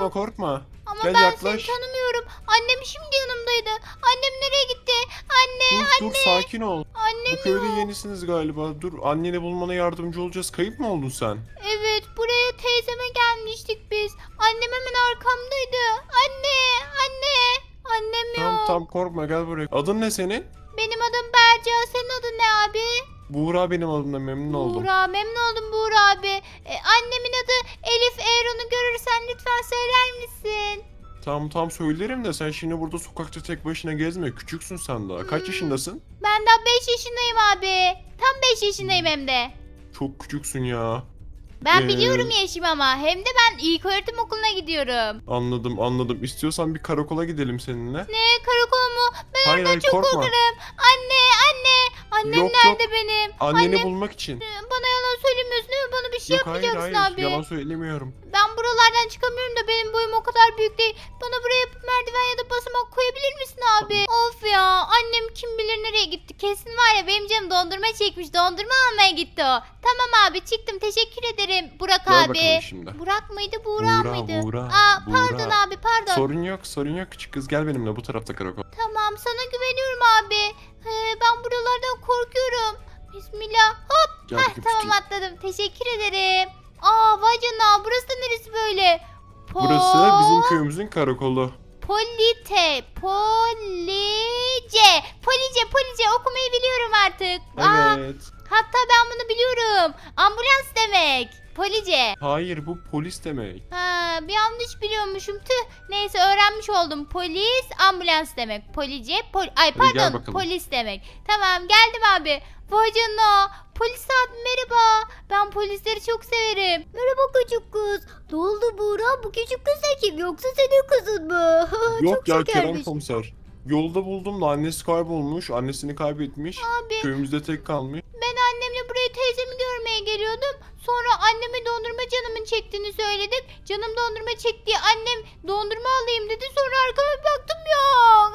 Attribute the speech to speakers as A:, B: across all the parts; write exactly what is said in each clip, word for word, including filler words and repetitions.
A: korkma korkma.
B: Ama
A: Gel
B: ben
A: yaklaş.
B: seni tanımıyorum. Annem şimdi yanımdaydı. Annem nereye gitti? Anne,
A: Dur dur
B: anne.
A: sakin ol.
B: Annem
A: Bu köyde
B: yok.
A: yenisiniz galiba. Dur anneni bulmana yardımcı olacağız. Kayıp mı oldun sen?
B: Evet, buraya teyzeme gelmiştik biz. Annem hemen arkamdaydı. Anne, anne. Annem
A: Tamam
B: yok.
A: tamam korkma gel buraya. Adın ne senin?
B: Benim adım Berca. Senin adın ne abi?
A: Buğra benim adımda memnun oldum.
B: Buğra. Memnun oldum Buğra abi. E, annemin adı Elif. Eğer onu görürsen lütfen söyler misin?
A: Tamam tamam söylerim de sen şimdi burada sokakta tek başına gezme. Küçüksün sen daha. Kaç
B: Hmm.
A: yaşındasın?
B: Ben daha beş yaşındayım abi. Tam beş yaşındayım hem de.
A: Çok küçüksün ya.
B: Ben
A: Ee,
B: biliyorum yaşım ama. Hem de ben ilköğretim okuluna gidiyorum.
A: Anladım anladım. İstiyorsan bir karakola gidelim seninle.
B: Ne, karakol mu? Ben
A: Hayır
B: oradan
A: hayır
B: çok
A: korkma.
B: korkarım. Anne, anne. Annem
A: Yok,
B: nerede
A: yok.
B: benim?
A: Anneni
B: Annem,
A: bulmak için.
B: bana yalan söylemiyorsun değil mi? Bana bir şey
A: Yok hayır
B: yapmayacaksın
A: hayır
B: abi.
A: yalan söylemiyorum.
B: Ben buralardan çıkamıyorum da benim boyum o kadar büyük değil. Bana buraya merdiven ya da basamak koyabilir misin abi? Of ya, annem kim bilir nereye gitti. Kesin var ya, benim canım dondurma çekmiş. Dondurma almaya gitti o. Tamam abi, çıktım, teşekkür ederim Burak
A: Gel
B: abi.
A: bakalım şimdi.
B: Burak mıydı, Buğra,
A: Buğra,
B: mıydı?
A: Buğra,
B: Aa, pardon
A: Buğra.
B: abi, pardon.
A: Sorun yok sorun yok küçük kız gel benimle bu tarafta karakol.
B: Tamam, sana güveniyorum abi. Ee, ben buralardan korkuyorum. Bismillah. Hop.
A: Gel
B: Heh,
A: bakayım
B: tamam,
A: tutayım.
B: atladım. Teşekkür ederim. Aa, vay canına, burası da neresi böyle? Po-
A: Burası bizim köyümüzün karakolu.
B: Polite, police, police, police okumayı biliyorum artık. Aa,
A: Evet.
B: hatta ben bunu biliyorum. Ambulans demek. Police.
A: Hayır bu polis demek.
B: Ha, bir yanlış biliyormuşum. Tüh. Neyse, öğrenmiş oldum. Polis, ambulans demek. Police, pol ay
A: Hadi gel
B: pardon,
A: bakalım.
B: polis demek. Tamam, geldim abi. Vay canına. Polis abi merhaba. Ben polisleri çok severim. Merhaba küçük kız. Ne oldu Buğra? Bu küçük kız da kim? Yoksa senin kızın mı?
A: Yok ya Kerem komiser. Yolda buldum da annesi kaybolmuş. Annesini kaybetmiş.
B: Abi,
A: Köyümüzde tek kalmış.
B: ben annemle buraya teyzemi görmeye geliyordum. Sonra anneme dondurma canımın çektiğini söyledim. Canım dondurma çekti. Annem dondurma alayım dedi. Sonra arkama bir baktım, yok.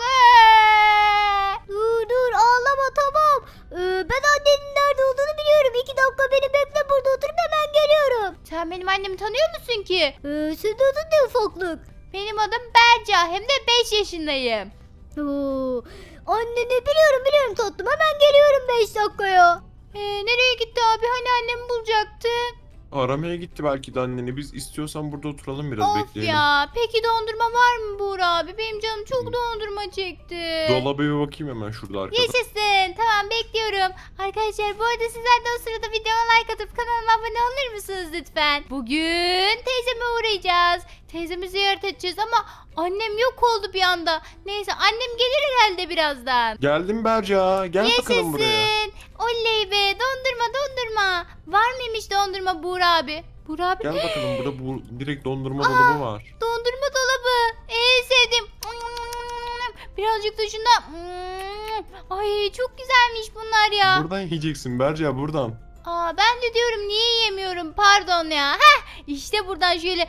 B: Ee.
C: Dur dur ağlama tamam. Ee, ben annenin nerede olduğunu biliyorum. İki dakika beni bekle burada oturup hemen geliyorum.
B: Sen benim annemi tanıyor musun ki?
C: Ee, senin adın ne ufaklık?
B: Benim adım Berca. Hem de beş yaşındayım.
C: Oo, anneni biliyorum biliyorum tatlım. Hemen geliyorum beş dakikaya.
B: Ee, nereye gitti abi? Hani annemi bulacaktı?
A: Aramaya gitti belki de anneni. Biz istiyorsan burada oturalım biraz
B: Of
A: bekleyelim.
B: ya. Peki dondurma var mı Buğra abi? Benim canım çok
A: Hı.
B: dondurma çekti.
A: Dolaba bir bakayım hemen şurada arkada.
B: Yaşasın. Tamam, bekliyorum. Arkadaşlar, bu arada sizler de o sırada videoma like atıp kanalıma abone olur musunuz lütfen? Bugün teyzeme uğrayacağız. Teyzemi ziyaret edeceğiz ama annem yok oldu bir anda. Neyse, annem gelir herhalde birazdan.
A: Geldim Berca. Gel bakalım buraya.
B: Yaşasın. Oley be, dondurma dondurma. Var mıymış dondurma Buğra abi? Buğra abi.
A: Gel bakalım burada bu direkt dondurma dolabı var.
B: Dondurma dolabı. En sevdiğim. Birazcık da şundan. Ay, çok güzelmiş bunlar ya.
A: Buradan yiyeceksin Berca buradan.
B: Aa, ben de diyorum niye yiyemiyorum, pardon ya. Heh, işte buradan şöyle.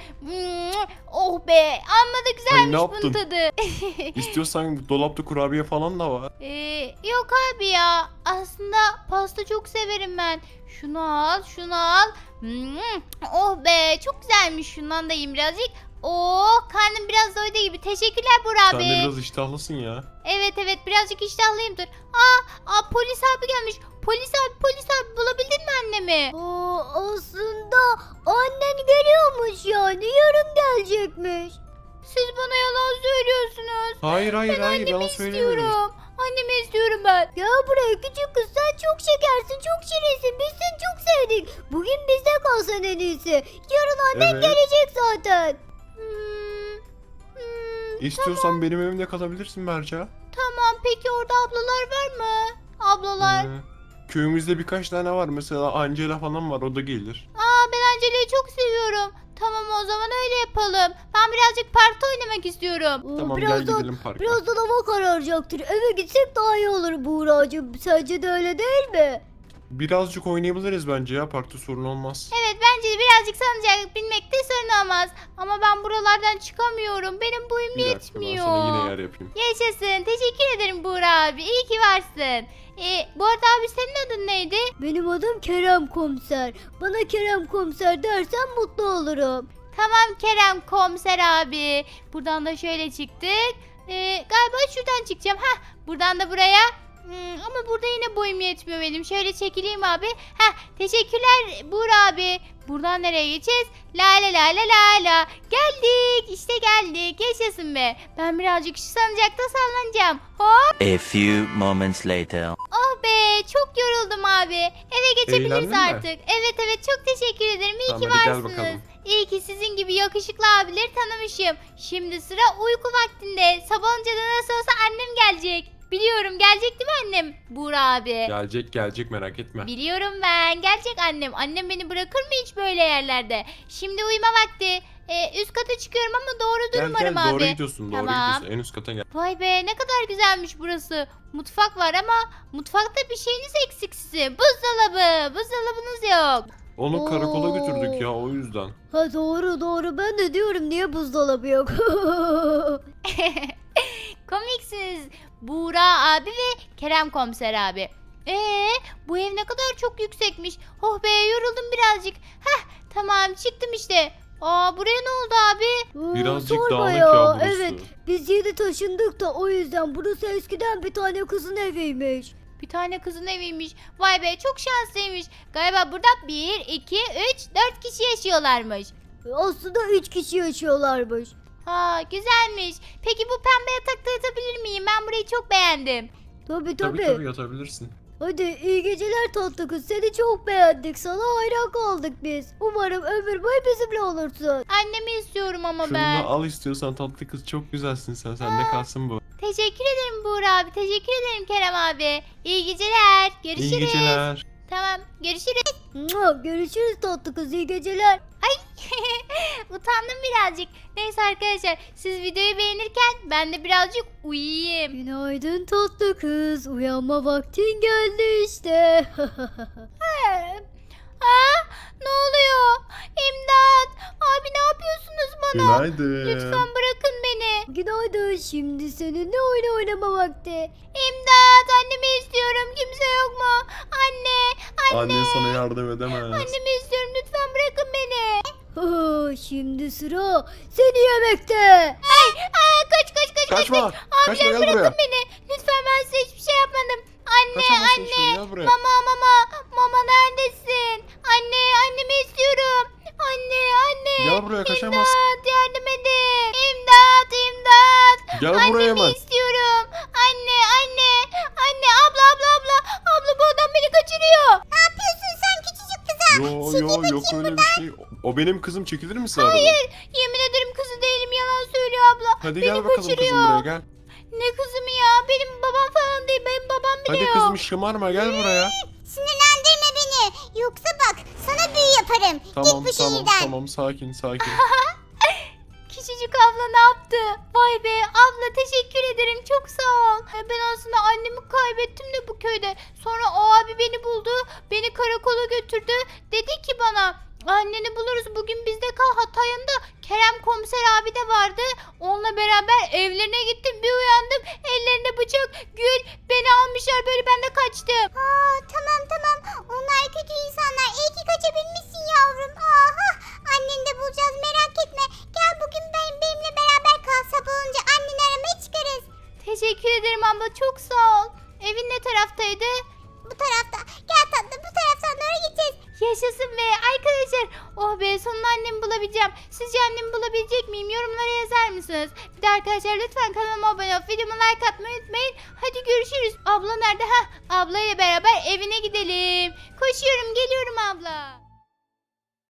B: Oh be, amma da
A: Ay,
B: güzelmiş
A: ne
B: bunun
A: yaptın?
B: tadı.
A: İstiyorsan dolapta kurabiye falan da var.
B: Ee, yok abi ya. Aslında pasta çok severim ben. Şunu al, şunu al. Hmm, oh be, çok güzelmiş. Şundan da yiyeyim birazcık. Oh, karnım biraz doydu gibi. Teşekkürler Burak
A: Sen
B: abi.
A: de biraz iştahlısın ya.
B: Evet evet, birazcık iştahlıyım, dur. Aa, aa, polis abi gelmiş. Polis abi, polis abi, bulabildin mi annemi?
C: Oo, aslında annen geliyormuş yani yarın gelecekmiş.
B: Siz bana yalan söylüyorsunuz.
A: Hayır hayır
B: Ben
A: hayır
B: annemi
A: yalan söylemiyoruz.
B: istiyorum. Annemi istiyorum ben.
C: Ya buraya küçük kız sen çok şekersin çok şirinsin biz seni çok sevdik. Bugün bizde kalsan en iyisi. Yarın annen
A: Evet.
C: gelecek zaten.
B: Hmm, hmm,
A: İstiyorsan benim evimde kalabilirsin Berca.
B: tamam, peki orada ablalar var mı? Ablalar.
A: Ee, köyümüzde birkaç tane var. Mesela Angela falan var o da gelir.
B: Aa, ben Angela'yı çok seviyorum. Tamam, o zaman öyle yapalım. Ben birazcık parkta oynamak istiyorum.
C: Oo,
A: Tamam gel
C: birazdan,
A: gidelim parka.
C: birazdan hava kararacaktır. Eve gitsek daha iyi olur Buğra'cığım. Sence de öyle değil mi?
A: Birazcık oynayabiliriz bence ya parkta sorun olmaz.
B: Evet, bence de birazcık salıncak binmekte sorun olmaz. Ama ben buralardan çıkamıyorum. Benim boyum
A: Bir dakika ben
B: yetmiyor.
A: sana yine yer yapayım.
B: Yaşasın. Teşekkür ederim Buğra abi. İyi ki varsın. Ee, bu arada abi, senin adın neydi?
C: Benim adım Kerem Komiser. Bana Kerem Komiser dersen mutlu olurum.
B: Tamam Kerem komiser abi. Buradan da şöyle çıktık. Ee, galiba şuradan çıkacağım. Heh, buradan da buraya. Hmm, ama burada yine boyum yetmiyor benim. Şöyle çekileyim abi. Heh, teşekkürler Buğra abi. Buradan nereye geçeceğiz? La la la la la la. Geldik. İşte geldik. Yaşasın be. Ben birazcık şu salıncakta sallanacağım. Hop.
D: A few moments later.
B: Oh be. Çok yoruldum abi. Eve geçebiliriz
A: Eğlendin mi?
B: artık. Evet evet çok teşekkür ederim. İyi
A: Tamam,
B: ki
A: hadi gel
B: varsınız.
A: bakalım.
B: İyi ki sizin gibi yakışıklı abileri tanımışım. Şimdi sıra uyku vaktinde. Sabah olunca da nasıl olsa annem gelecek. Biliyorum gelecek değil mi annem? Buğra abi.
A: Gelecek gelecek merak etme.
B: Biliyorum ben. Gelecek annem. Annem beni bırakır mı hiç böyle yerlerde? Şimdi uyuma vakti. Ee, üst kata çıkıyorum ama doğrudur
A: Gel
B: umarım
A: gel doğru
B: abi.
A: gidiyorsun doğru
B: Tamam.
A: gidiyorsun. En üst kata gel.
B: Vay be ne kadar güzelmiş burası. Mutfak var ama mutfakta bir şeyiniz eksik sizin. Buzdolabı. Buzdolabınız yok.
A: Onu karakola
C: Oo.
A: götürdük ya o yüzden.
C: Ha doğru doğru ben de diyorum niye buzdolabı yok.
B: Komiksiniz. Buğra abi ve Kerem komiser abi. Ee, bu ev ne kadar çok yüksekmiş. Oh be yoruldum birazcık. Heh tamam çıktım işte. Aa buraya ne oldu abi?
C: Oo,
A: Birazcık
C: sorma
A: dağınık ya burası.
C: Evet biz yeni taşındık da o yüzden burası eskiden bir tane kızın eviymiş.
B: Bir tane kızın eviymiş. Vay be çok şanslıymış. Galiba burada bir, iki, üç, dört kişi yaşıyorlarmış.
C: Aslında üç kişi yaşıyorlarmış.
B: Ha güzelmiş. Peki bu pembe yatakta yatabilir miyim? Ben burayı çok beğendim.
C: Tabii
A: Tabii
C: tabii.
A: tabii yatabilirsin.
C: Hadi iyi geceler tatlı kız. Seni çok beğendik. Sana hayran kaldık biz. Umarım ömür boyu bizimle olursun.
B: Annemi istiyorum ama
A: Şunu
B: ben.
A: da al istiyorsan tatlı kız çok güzelsin sen. Sende kalsın bu.
B: Teşekkür ederim Buğra abi. Teşekkür ederim Kerem abi. İyi geceler. Görüşürüz.
A: İyi geceler.
B: Tamam görüşürüz.
C: Mua, görüşürüz tatlı kız. İyi geceler.
B: Utandım birazcık. Neyse arkadaşlar siz videoyu beğenirken ben de birazcık uyuyayım.
C: Günaydın tatlı kız. Uyanma vaktin geldi işte.
B: Ha? Ne oluyor? İmdat. Abi ne yapıyorsunuz bana?
A: Günaydın.
B: Lütfen bırakın beni.
C: Günaydın. Şimdi seninle oyun oynama vakti.
B: İmdat. Annemi istiyorum. Kimse yok mu? Anne. Anne.
A: Annen sana yardım edemez.
B: Annemi istiyorum. Lütfen bırakın beni.
C: Ha, şimdi sıra seni yemekte.
B: Ay, aa, kaç kaç kaç kaç.
A: Kaçma.
B: kaç.
A: Kaçma
B: Abiler
A: gel buraya.
B: bırakın beni. Lütfen ben size hiçbir şey yapmadım. Anne
A: Kaçamazsın
B: anne.
A: şimdi, gel buraya.
B: Mama mama. Mama neredesin? Anne annemi istiyorum. Anne anne.
A: Gel buraya, kaçamazsın.
B: İmdat yardım edin. İmdat imdat.
A: Gel buraya
B: Annemi
A: hemen.
B: istiyorum. Anne anne. Anne abla abla abla. Abla bu adam beni kaçırıyor. Ne yapıyorsun sen küçücük kızım?
A: Yo yo yok öyle bir şey. O benim kızım, çekilir misin aradan?
B: Hayır. Yemin ederim kızı değilim yalan söylüyor abla.
A: Hadi
B: beni
A: gel bakalım
B: kaçırıyor.
A: kızım buraya gel.
B: Ne kızım ya? Benim babam falan değil. Benim babam bile
A: Hadi
B: yok.
A: kızım şımarma gel buraya.
E: Sinirlendirme beni. Yoksa bak sana büyü yaparım.
A: Tamam
E: Git bu
A: tamam
E: şehirden.
A: tamam sakin sakin.
B: Küçücük abla ne yaptı? Vay be abla teşekkür ederim çok sağ ol. E, Ben aslında annemi kaybettim de bu köyde. Sonra o abi beni buldu. Beni karakola götürdü. Dedi ki bana anneni buluruz bugün bizde kal. Hatta yanında Kerem komiser abi de vardı. Onunla beraber evlerine gittim. Bir uyandım ellerinde bıçak gül. Beni almışlar böyle ben de kaçtım.
E: Aa, tamam tamam. Onlar kötü insanlar. İyi ki kaçabilmişsin yavrum. Aha, anneni de bulacağız merak etme. Gel bugün benim, benimle beraber kal. Sabah olunca anneni aramaya çıkarız.
B: Teşekkür ederim abla çok sağ ol. Evin ne taraftaydı?
E: Bu tarafta. Gel tatlım bu taraftan doğru gideceğiz.
B: Yaşasın be arkadaşlar. Oh be sonunda annemi bulabileceğim. Sizce annemi bulabilecek miyim? Yorumlara yazar mısınız? Bir de arkadaşlar lütfen kanalıma abone olup videoma like atmayı unutmayın. Hadi görüşürüz. Abla nerede? Hah ablayla beraber evine gidelim. Koşuyorum geliyorum abla.